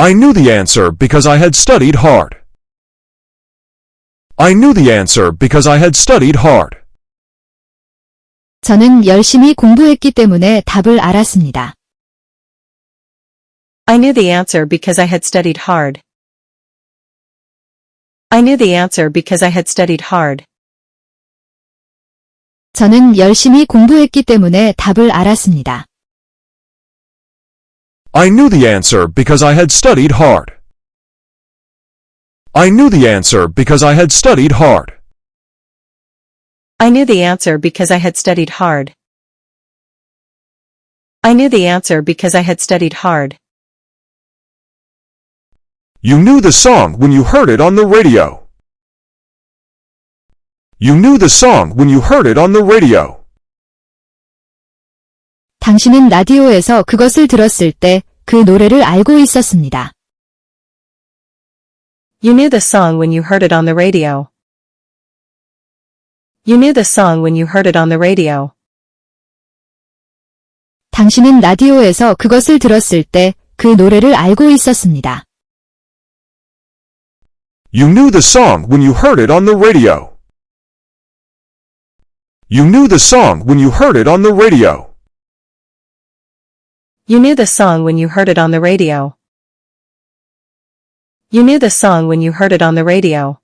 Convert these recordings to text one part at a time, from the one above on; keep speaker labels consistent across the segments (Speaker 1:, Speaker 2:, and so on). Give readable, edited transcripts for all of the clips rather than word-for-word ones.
Speaker 1: I knew the answer because I had studied hard. I knew the answer because I had studied hard.
Speaker 2: 저는 열심히 공부했기 때문에 답을 알았습니다.
Speaker 3: I knew the answer because I had studied hard. I knew the answer because I had studied hard.
Speaker 2: 저는 열심히 공부했기 때문에 답을 알았습니다.
Speaker 1: I knew the answer because I had studied hard. I knew the answer because I had studied hard.
Speaker 3: I knew the answer because I had studied hard. I knew the answer because I had studied hard.
Speaker 1: You knew the song when you heard it on the radio. You knew the song when you heard it on the radio.
Speaker 2: 당신은 라디오에서 그것을 들었을 때 그 노래를 알고 있었습니다.
Speaker 3: You knew the song when you heard it on the radio. You knew the song when you heard it on the radio.
Speaker 2: 당신은 라디오에서 그것을 들었을 때 그 노래를 알고 있었습니다.
Speaker 1: You knew the song when you heard it on the radio. You knew the song when you heard it on the radio.
Speaker 3: You knew the song when you heard it on the radio. You knew the song when you heard it on the radio.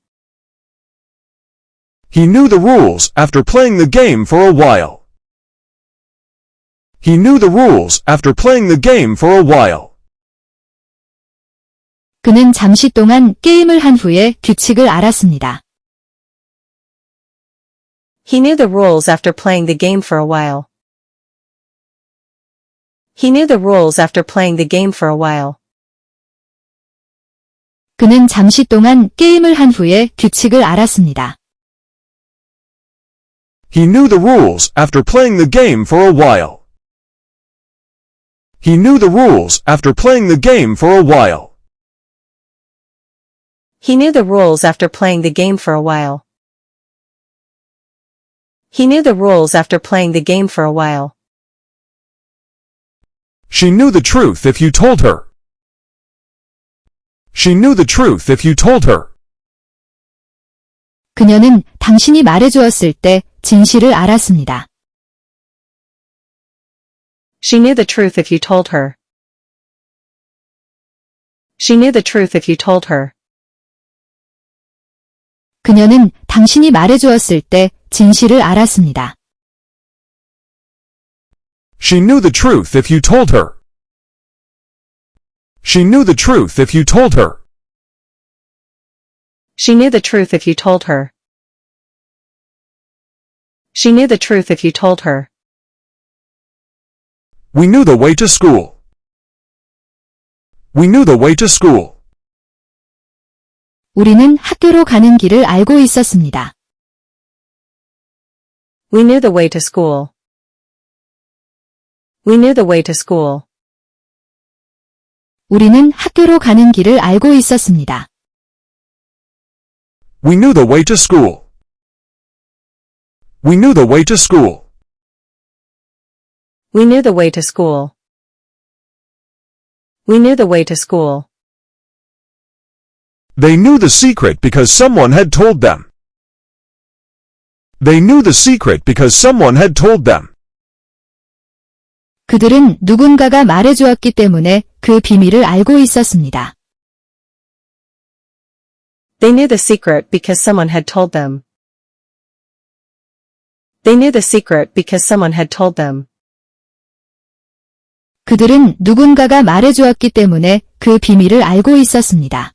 Speaker 1: He knew the rules after playing the game for a while. He knew the rules after playing the game for a while.
Speaker 2: 그는 잠시 동안 게임을 한 후에 규칙을 알았습니다.
Speaker 3: He knew the rules after playing the game for a while. He knew the rules after playing the game for a while.
Speaker 2: 그는 잠시 동안 게임을 한 후에 규칙을 알았습니다.
Speaker 1: He knew the rules after playing the game for a while. He knew the rules after playing the game for a while.
Speaker 3: He knew the rules after playing the game for a while. He knew the rules after playing the game for a while.
Speaker 1: She knew the truth if you told her. She knew the truth if you told her.
Speaker 2: 그녀는 당신이 말해주었을 때 진실을 알았습니다.
Speaker 3: She knew the truth if you told her. She knew the truth if you told her.
Speaker 2: 그녀는 당신이 말해주었을 때 진실을 알았습니다.
Speaker 1: She knew the truth if you told her. She knew the truth if you told her.
Speaker 3: She knew the truth if you told her. She knew the truth if you told her.
Speaker 1: We knew the way to school. We knew the way to school.
Speaker 2: 우리는 학교로 가는 길을 알고 있었습니다.
Speaker 3: We knew the way to school. We knew the way to school.
Speaker 2: 우리는 학교로 가는 길을 알고 있었습니다.
Speaker 1: We knew the way to school. We knew the way to school.
Speaker 3: We knew the way to school. We knew the way to school.
Speaker 1: They knew the secret because someone had told them. They knew the secret because someone had told them.
Speaker 2: 그들은 누군가가 말해주었기 때문에 그 비밀을 알고 있었습니다.
Speaker 3: They knew the secret because someone had told them. They knew the secret because someone had told them.
Speaker 2: 그들은 누군가가 말해주었기 때문에 그 비밀을 알고 있었습니다.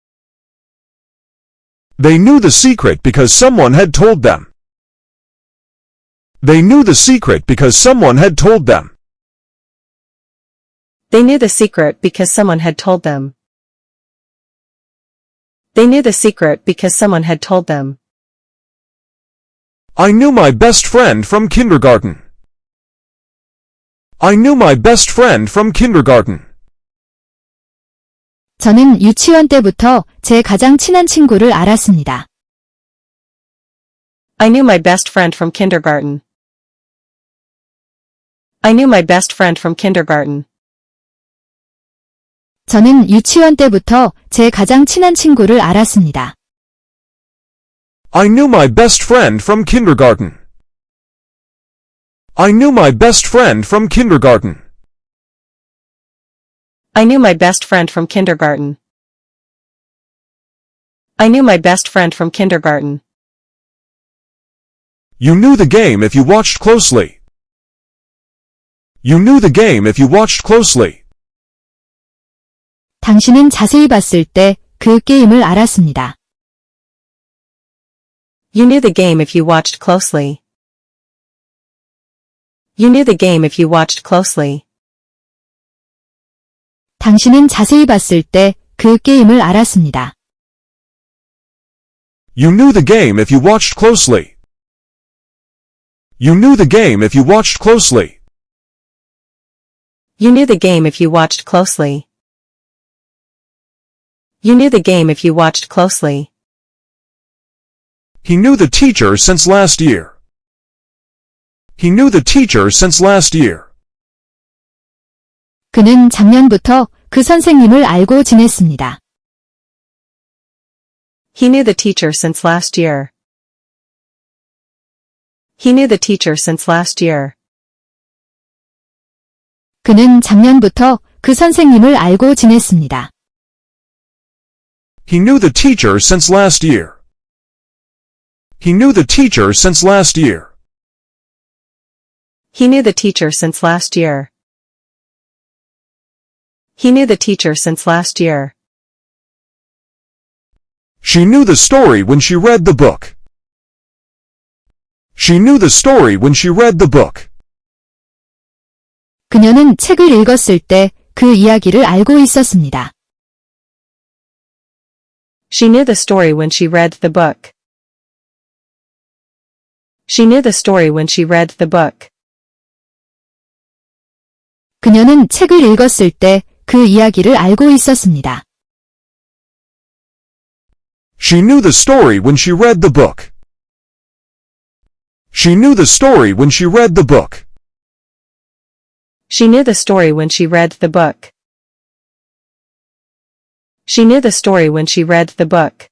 Speaker 1: They knew the secret because someone had told them. They knew the secret because someone had told them.
Speaker 3: They knew the secret because someone had told them. They knew the secret because someone had told them.
Speaker 1: I knew my best friend from kindergarten. I knew my best friend from kindergarten.
Speaker 2: 저는 유치원 때부터 제 가장 친한 친구를 알았습니다.
Speaker 3: I knew my best friend from kindergarten. I knew my best friend from kindergarten.
Speaker 2: 저는 유치원 때부터 제 가장 친한 친구를 알았습니다.
Speaker 1: I knew my best friend from kindergarten. I knew my best friend from kindergarten.
Speaker 3: I knew my best friend from kindergarten. I knew my best friend from kindergarten.
Speaker 1: You knew the game if you watched closely. You knew the game if you watched closely.
Speaker 2: 당신은 자세히 봤을 때 그 게임을 알았습니다.
Speaker 3: You knew the game if you watched closely. You knew the game if you watched closely.
Speaker 2: 당신은 자세히 봤을 때 그 게임을 알았습니다.
Speaker 1: You knew the game if you watched closely. You knew the game if you watched closely.
Speaker 3: You knew the game if you watched closely. You knew the game if you watched closely.
Speaker 1: He knew the teacher since last year. He knew the teacher since last year.
Speaker 2: 그는 작년부터 그 선생님을 알고 지냈습니다.
Speaker 3: He knew the teacher since last year. He knew the teacher since last year.
Speaker 2: 그는 작년부터 그 선생님을 알고 지냈습니다.
Speaker 1: He knew the teacher since last year. He knew the teacher since last year.
Speaker 3: He knew the teacher since last year. He knew the teacher since last year.
Speaker 1: She knew the story when she read the book. She knew the story when she read the book.
Speaker 2: 그녀는 책을 읽었을 때 그 이야기를 알고 있었습니다.
Speaker 3: She knew the story when she read the book. She knew the story when she read the book.
Speaker 2: 그녀는 책을 읽었을 때 그 이야기를 알고 있었습니다.
Speaker 1: She knew the story when she read the book. She knew the story when she read the book.
Speaker 3: She knew the story when she read the book. She knew the story when she read the book.